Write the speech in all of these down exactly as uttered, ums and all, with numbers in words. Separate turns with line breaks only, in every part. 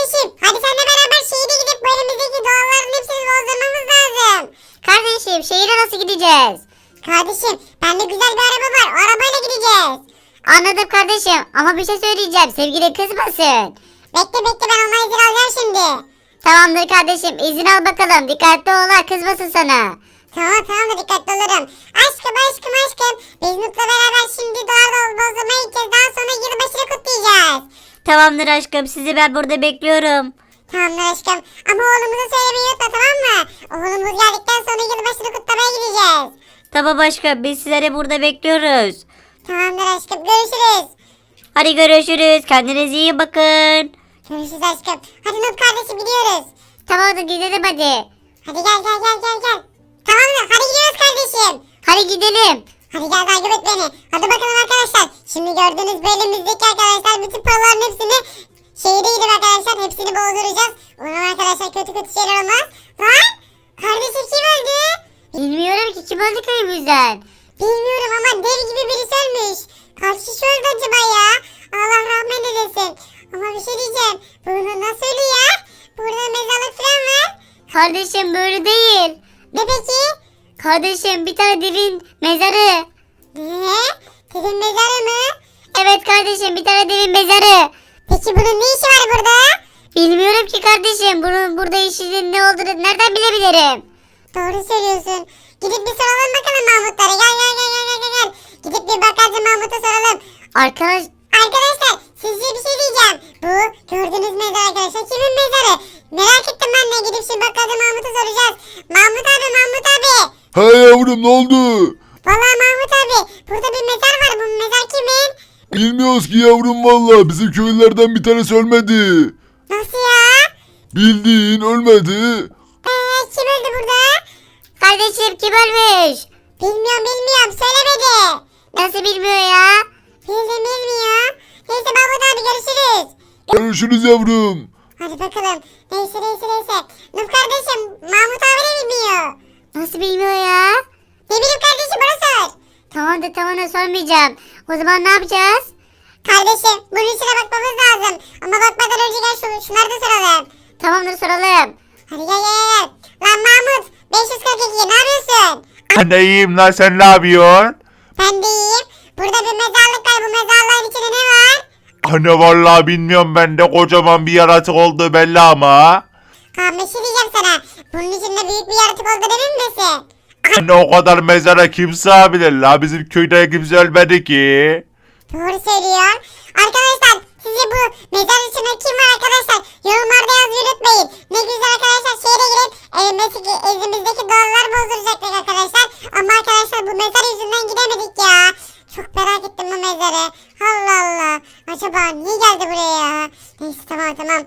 kardeşim. Hadi seninle beraber şehire gidip bu elimizdeki doğalların hepsini bozdurmamız lazım.
Kardeşim şehire nasıl gideceğiz?
Kardeşim bende güzel bir araba var. O arabayla gideceğiz.
Anladım kardeşim ama bir şey söyleyeceğim. Sevgili kızmasın.
Bekle bekle ben ona izin alacağım şimdi.
Tamamdır kardeşim izin al bakalım. Dikkatli ol ha kızmasın sana.
Tamam tamam da dikkatli olurum. Aşkım aşkım aşkım. Biz Mutlu'la beraber şimdi doğal bozdurmaya gideceğiz. Daha sonra yılbaşını kutlayacağız.
Tamamdır aşkım sizi ben burada bekliyorum.
Tamamdır aşkım. Ama oğlumuza söylemeyi unutma tamam mı? Oğlumuz geldikten sonra yılbaşını kutlamaya gideceğiz.
Tamam aşkım biz sizleri burada bekliyoruz.
Tamamdır aşkım görüşürüz.
Hadi görüşürüz. Kendinize iyi bakın.
Görüşürüz aşkım. Hadi Nut kardeşim gidiyoruz.
Tamamdır gidelim hadi.
Hadi gel gel gel gel gel. Tamamdır hadi gidiyoruz kardeşim.
Hadi gidelim.
Hadi gel takip et beni. Hadi bakalım arkadaşlar. Şimdi gördüğünüz bu elimizdeki arkadaşlar bütün paraların hepsini şehire gidip arkadaşlar hepsini bozduracağız. Umarım arkadaşlar kötü kötü şeyler olmaz. Lan kardeşim kim öldü?
Bilmiyorum ki kim öldü köyümüzden.
Bilmiyorum ama dev gibi birisi ölmüş. Kaç kişi öldü acaba ya? Allah rahmet eylesin. Ama bir şey diyeceğim. Burada nasıl ölü ya? Burada mezarlık falan var.
Kardeşim böyle değil.
Ne peki?
Kardeşim bir tane devin mezarı.
Ne? Dedin mezarı mı?
Evet kardeşim bir tane devin mezarı.
Peki bunun ne işi var burada?
Bilmiyorum ki kardeşim bunun burada işinin ne olduğunu nereden bilebilirim.
Doğru söylüyorsun. Gidip bir soralım bakalım Mahmutlara. Gel gel gel gel gel gel. Gidip bir bakalım Mahmut'a soralım.
Arkadaş
Arkadaşlar sizce bir şey diyeceğim. Bu gördüğünüz mezar arkadaşlar kimin mezarı? Merak ettim ben de gidip şimdi bakalım Mahmut'a soracağız. Mahmut abi Mahmut abi.
He yavrum ne oldu?
Vallahi Mahmut abi burada bir mezar var. Bu mezar kimin?
Bilmiyoruz ki yavrum valla bizim köylülerden bir tanesi ölmedi.
Nasıl ya?
Bildiğin ölmedi.
Eee kim öldü burada?
kardeşim kim ölmüş?
Bilmiyorum bilmiyorum söylemedi.
Nasıl bilmiyor ya?
Bildim bilmiyor. Neyse Mahmut abi görüşürüz.
Görüşürüz yavrum.
Hadi bakalım. Neyse neyse neyse. Nuh kardeşim Mahmut abi de bilmiyor.
Nasıl bilmiyor ya?
Ne bileyim kardeşim bana sor.
Tamam da tamam da sormayacağım. O zaman ne yapacağız?
Kardeşim bunun içine bakmamız lazım. Ama bakmadan önce gel şu, şunları da soralım.
Tamamdır soralım.
Hadi gel gel gel. Lan Mahmut beş yüz kırk iki ne yapıyorsun?
Ben de iyiyim lan sen ne yapıyorsun?
Ben de iyiyim. Burada bir mezarlık var. Bu mezarlığın içinde ne var?
Anne vallahi bilmiyorum ben de kocaman bir yaratık oldu belli ama.
Kaan bir şey diyeceğim sana. Bunun içinde büyük bir yaratık olduğunu emin misin?
Anne o kadar mezara kim sığabilir la bizim köyde kimse ölmedi ki.
Doğru söylüyor. Arkadaşlar sizce bu mezar içinde kim var arkadaşlar? Yorumlarda yazmayı unutmayın. Ne güzel arkadaşlar şehre girip elimizdeki, elimizdeki doğalları bozduracaktık arkadaşlar. Ama arkadaşlar bu mezar yüzünden gidemedik ya. Çok merak ettim bu mezarı. Allah Allah. Acaba niye geldi buraya? Neyse tamam tamam.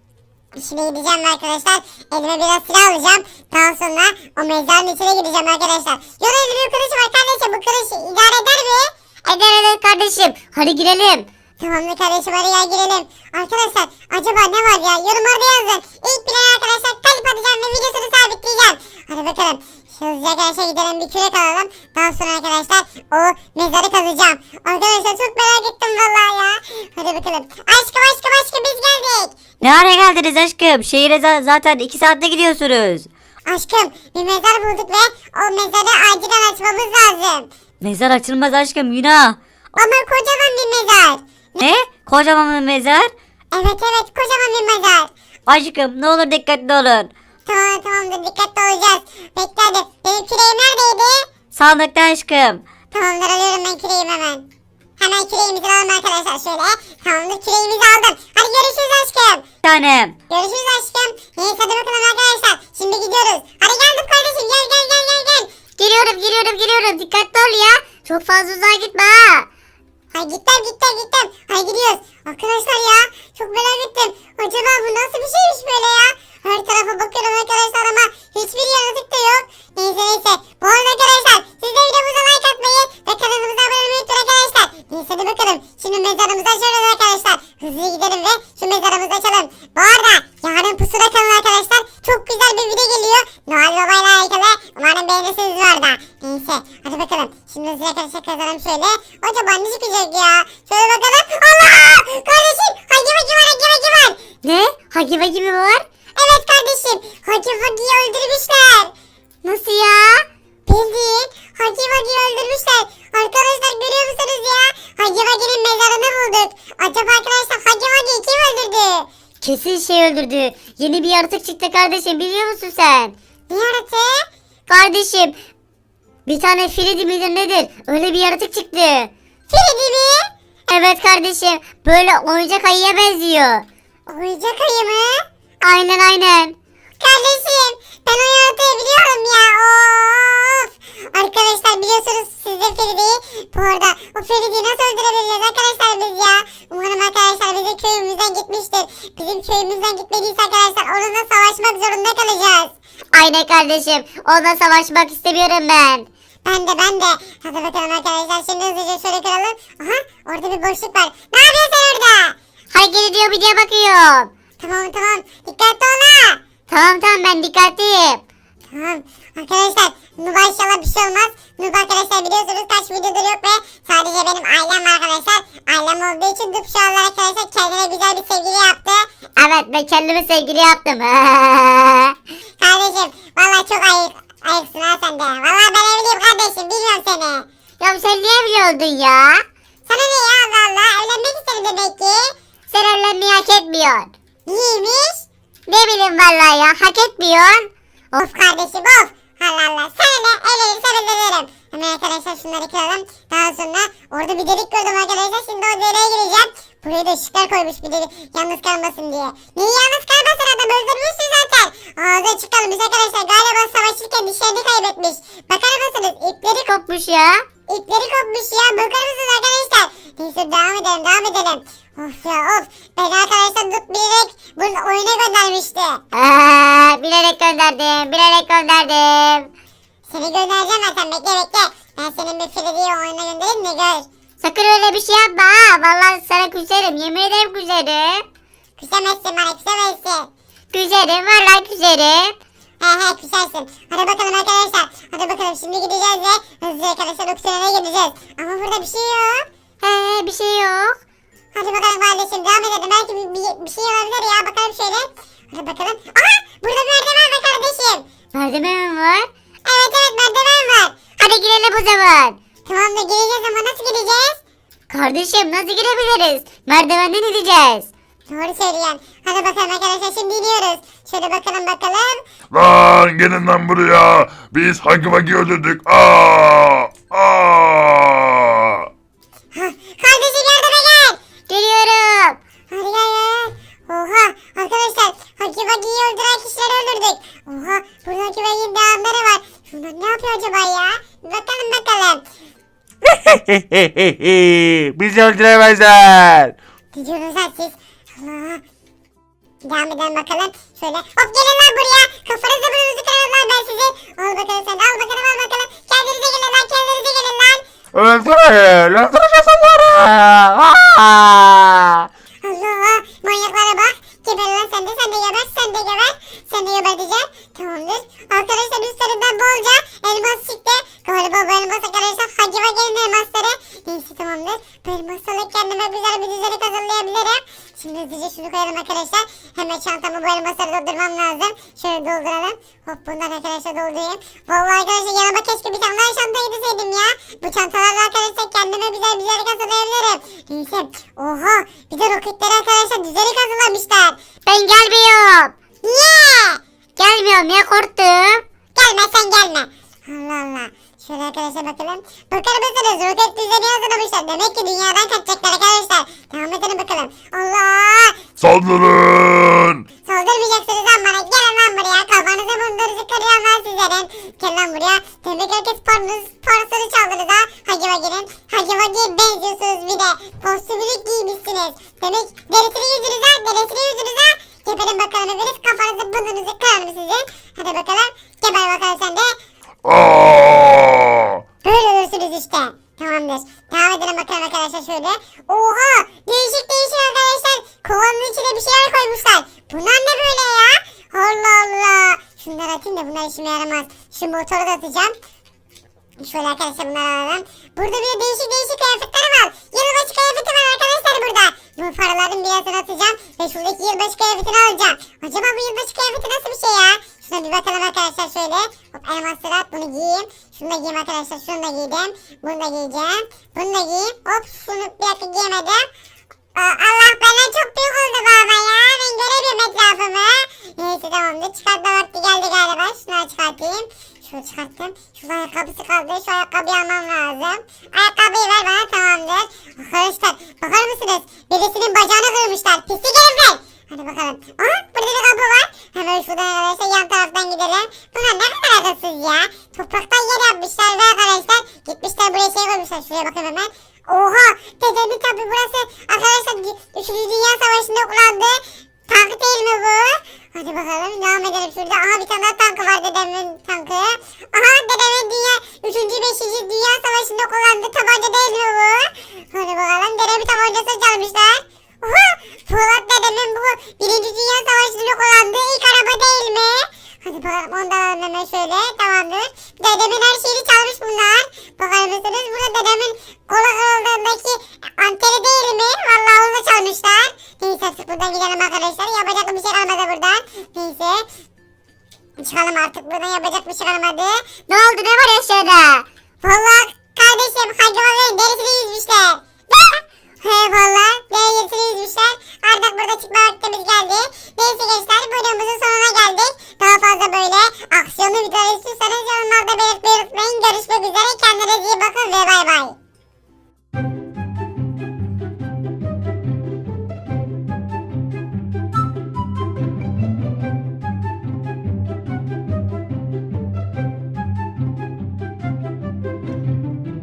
Şimdi gideceğim arkadaşlar. Elime biraz silah alacağım. Daha sonra o mezarın içine gideceğim arkadaşlar. Yol elinde bir kılıç var kardeşim. Bu kılıç idare eder mi?
Eder eder kardeşim. Hadi girelim.
Tamamdır kardeşim hadi gel girelim. Arkadaşlar acaba ne var ya? Yorumlarda yazın. İlk bilen arkadaşlar kalp atacağım ve videosunu sabitleyeceğim. Hadi bakalım. Hızlıca arkadaşlar gidelim bir kürek alalım. Daha sonra arkadaşlar o mezarı kazacağım. Arkadaşlar çok merak ettim vallahi ya. Hadi bakalım. Aşkım aşkım aşkım biz geldik.
Ne ara geldiniz aşkım? Şehire za- zaten iki saatte gidiyorsunuz.
Aşkım bir mezar bulduk ve o mezarı acilen açmamız lazım.
Mezar açılmaz aşkım günah.
Ama kocaman bir mezar.
Ne? Kocaman bir mezar?
Evet evet kocaman bir mezar.
Aşkım ne olur dikkatli olun.
Tamam tamamdır dikkatli olacağız. Bekle hadi. Benim küreğim neredeydi?
Sandıkta aşkım.
Tamamdır alıyorum ben küreğimi hemen. Hemen küreğimizi alalım arkadaşlar şöyle. Tamamdır küreğimizi aldım. Hadi görüşürüz aşkım.
Bir tanem.
Görüşürüz aşkım. Neyse hadi bakalım arkadaşlar. Şimdi gidiyoruz. Hadi geldik kardeşim gel gel gel gel gel.
Geliyorum geliyorum geliyorum. Dikkatli ol ya. Çok fazla uzağa gitme ha.
Hay gittim gittim gittim. Hay gidiyoruz. Arkadaşlar ya çok merak ettim. Acaba bu nasıl bir şeymiş böyle ya? Her tarafa bakıyorum arkadaşlar ama hiçbir yaratık da yok. Neyse neyse. Bu arada arkadaşlar siz de videomuza like atmayı ve kanalımıza abone olmayı unutmayın arkadaşlar. Neyse hadi bakalım. Şimdi mezarımızı açıyoruz arkadaşlar. Hızlı gidelim ve şu mezarımızı açalım. Bu arada yarın pusuda kalın arkadaşlar. Çok güzel bir video geliyor. Noel Baba ile alakalı. Umarım beğenirsiniz bu arada. Neyse hadi bakalım. Şimdi hızlı arkadaşlar kazalım şöyle. Acaba ne çıkacak ya? Şöyle bakalım. Allah! Kardeşim! Hangi var? Hangi var? Hangi var?
Ne? Hagi Vagi mi var?
Evet kardeşim. Hagi Vagi'yi öldürmüşler.
Nasıl ya?
Bildiğin Hagi Vagi'yi öldürmüşler. Arkadaşlar görüyor musunuz ya? Hagi Vagi'nin mezarını bulduk. Acaba arkadaşlar Hagi Vagi'yi kim öldürdü?
Kesin şey öldürdü. Yeni bir yaratık çıktı kardeşim, biliyor musun sen?
Ne yaratığı?
Kardeşim, bir tane Freddy midir nedir? Öyle bir yaratık çıktı.
Freddy mi?
Evet kardeşim, böyle oyuncak ayıya benziyor.
Oyuncak ayı mı?
Aynen aynen.
Kardeşim ben o yaratığı biliyorum ya. Of. Arkadaşlar biliyorsunuz siz de Feride'yi. Bu arada o Feride'yi nasıl öldürebiliriz arkadaşlar biz ya. Umarım arkadaşlar bizim köyümüzden gitmiştir. Bizim köyümüzden gitmediyse arkadaşlar onunla savaşmak zorunda kalacağız.
Aynen kardeşim, onunla savaşmak istemiyorum ben.
Ben de ben de. Hadi bakalım arkadaşlar şimdi hızlıca şöyle kıralım. Aha orada bir boşluk var. Ne yapıyorsun sen orada?
Hareket ediyor, bir diye bakıyorum.
Tamam tamam dikkatli ol.
Tamam tamam, ben dikkatliyim.
Tamam arkadaşlar Nuba inşallah bir şey olmaz. Nuba arkadaşlar biliyorsunuz kaç videodur yok ve sadece benim ailem var arkadaşlar. Ailem olduğu için Nuba şu anlar arkadaşlar kendine güzel bir sevgili yaptı.
Evet, ben kendimi sevgili yaptım.
Kardeşim valla çok ayık, ayıksın ha sen de. Valla ben evliyim kardeşim bilmiyorum seni.
Ya sen niye evli oldun ya?
Sana ne ya Allah Allah evlenmek istedim demek ki.
Sen evlenmeyi hak etmiyorsun.
Niyeymiş?
Ne bileyim vallahi ya, hak etmiyorsun.
Of kardeşim of. Allah Allah sana ne evlenirsen evlenirim. Hemen arkadaşlar şunları kıralım. Daha sonra orada bir delik gördüm arkadaşlar. Şimdi o deliğe gireceğim. Buraya da ışıklar koymuş bir delik yalnız kalmasın diye. Niye yalnız kalmasın adam öldürmüşsün zaten. Ağzı açık kalmış arkadaşlar. Galiba savaşırken dişlerini kaybetmiş. Bakar mısınız ipleri kop
Kopmuş ya.
ipleri kopmuş ya. Bakar mısınız arkadaşlar. Neyse devam edelim devam edelim. Of ya of. Ben arkadaşlar tut bilerek bunu oyuna göndermişti.
Aa, bilerek gönderdim, bilerek gönderdim.
Seni göndereceğim zaten bekle bekle. Ben senin bir Freddy'yi oyuna göndereyim de gör.
Sakın öyle bir şey yapma ha. Vallahi sana küserim, yemin ederim küserim.
Küsemezsin bana küsemezsin.
Küserim, vallahi küserim.
He he küsersin. Hadi bakalım arkadaşlar. Hadi bakalım şimdi gideceğiz ve hızlı arkadaşlar oksijene gideceğiz. Ama burada bir şey yok.
He, bir şey yok.
Hadi bakalım kardeşim devam edelim. Belki bir, bir, bir şey olabilir ya. Bakalım şöyle. Hadi bakalım. Aha burada bir merdiven var kardeşim.
Merdiven mi var?
Evet evet merdiven var.
Hadi girelim o zaman.
Tamam da gireceğiz ama nasıl gireceğiz?
Kardeşim, nasıl girebiliriz? Merdivenden ineceğiz.
Doğru söylüyorsun. Hadi bakalım arkadaşlar şimdi iniyoruz. Şöyle bakalım bakalım.
Lan gelin lan buraya. Biz Hagi Vagi öldürdük. Aa! Aa!
Hah, kardeşim yardıma gel.
Geliyorum.
Hadi gel gel. Oha arkadaşlar Hagi Vagi'yi öldüren kişileri öldürdük. Oha burada Hagi Vagi'nin devamları var. Şunlar ne yapıyor acaba ya? Bir bakalım bakalım.
Bizi öldüremezler.
Gidiyoruz lan siz. Allah. Devam edelim bakalım. Şöyle hop gelin lan buraya. Kafanızı burnunuzu kırarım lan ben sizin. Al bakalım sen al bakalım al bakalım. Kendinize gelin lan kendinize gelin lan.
Öldürün. Öldüreceğiz onları. Aa!
Allah manyaklara bak. Geber lan sen de sen de geber sen de geber. Sen de geberteceğim. Tamamdır. Arkadaşlar üstlerinden bolca elmas çıktı. Galiba bu elmas arkadaşlar Hagi Vagi'nin elmasları. Neyse tamamdır. Bu elmaslarla kendime güzel bir düzenek hazırlayabilirim. Şimdi hızlıca şunu koyalım arkadaşlar. Hemen çantamı bu elmasları doldurmam lazım. Şöyle dolduralım. Hop bundan arkadaşlar doldurayım. Vallahi arkadaşlar yanıma keşke bir tane daha çanta getirseydim ya. Bu çantalarla arkadaşlar kendime güzel bir düzenek hazırlayabilirim. Neyse. Oha. Bir de roketleri arkadaşlar düzenek hazırlamışlar.
Ben gelmiyorum.
Niye?
Gelmiyorum ya, korktum.
Gelme sen gelme. Allah Allah. Şöyle arkadaşlar bakalım. Bakar mısınız? Roket düzeni hazırlamışlar. Demek ki dünyadan kaçacaklar arkadaşlar. Devam edelim bakalım. Allah!
Saldırın.
Saldırmayacaksınız lan bana. Gelin lan buraya. Kafanızı bunlarınızı kırıyorum lan sizlerin. Gel lan buraya. Demek herkes paranız, parasını çaldınız ha. Hagi Vagi'nin. Hagi Vagi'ye benziyorsunuz bir de. Kostümünü giymişsiniz. Demek derisini yüzünüz ha. Derisini yüzünüz ha. Geberin bakalım hepiniz. Kafanızı bunlarınızı kırarım sizin. Hadi bakalım. Geber bakalım sen de.
Aa!
Böyle olursunuz işte. Tamamdır. Devam edelim bakalım arkadaşlar şöyle. Oha! Değişik değişik arkadaşlar. Kovanın içine bir şeyler koymuşlar. Bunlar ne böyle ya? Allah Allah. Şunları atayım da bunlar işime yaramaz. Şu motoru da atacağım. Şöyle arkadaşlar bunları alalım. Burada bir de değişik değişik kıyafetler var. Yılbaşı kıyafeti var arkadaşlar burada. Bu paraların birazını atacağım ve şuradaki yılbaşı kıyafetini alacağım. Acaba bu yılbaşı kıyafeti nasıl bir şey ya? Şuna bir bakalım arkadaşlar şöyle. Hop elmasları at, bunu giyeyim. Şunu da giyeyim arkadaşlar, şunu da giydim. Bunu da giyeceğim. Bunu da giyeyim. Hop şunu bir dakika giyemedim. Aa, Allah benden çok büyük oldu baba ya. Ben göremiyorum etrafımı. Neyse tamamdır. Çıkartma vakti geldi galiba. Şunu çıkartayım. Şunu çıkarttım. Şu ayakkabısı kaldı. Şu ayakkabıyı almam lazım. Ayakkabıyı ver bana, tamamdır. Arkadaşlar bakar mısınız? Birisinin bacağını kırmışlar. Pislik herifler. Hadi bakalım. Aha burada bir kapı var. Hemen şuradan arkadaşlar yan taraftan gidelim. Bunlar ne kadar akılsız ya. Topraktan yer yapmışlar ve arkadaşlar gitmişler buraya şey koymuşlar. Şuraya bakın hemen. Oha! Dedemin tabi burası arkadaşlar üçüncü Dünya Savaşı'nda kullandığı tank değil mi bu? Hadi bakalım devam edelim şurada. Aha bir tane daha tankı var, dedemin tankı. Aha dedemin dünya üçüncü beşinci Dünya Savaşı'nda kullandığı tabanca değil mi bu? Hadi bakalım dedemin tabancasını çalmışlar. Oha! Polat dedemin bu birinci Dünya Savaşı'nda kullandığı ilk araba değil mi? Hadi bakalım ondan alalım hemen şöyle, tamamdır. Dedemin her şeyini çalmış bunlar. Bakar mısınız? Burada dedemin kola kırıldığındaki anteni değil mi? Vallahi onu da çalmışlar. Neyse artık buradan gidelim arkadaşlar. Yapacak bir şey kalmadı buradan. Neyse. Çıkalım artık buradan, yapacak bir şey kalmadı.
Ne oldu, ne var aşağıda?
Vallahi kardeşim hayvanların derisini yüzmüşler. Ne?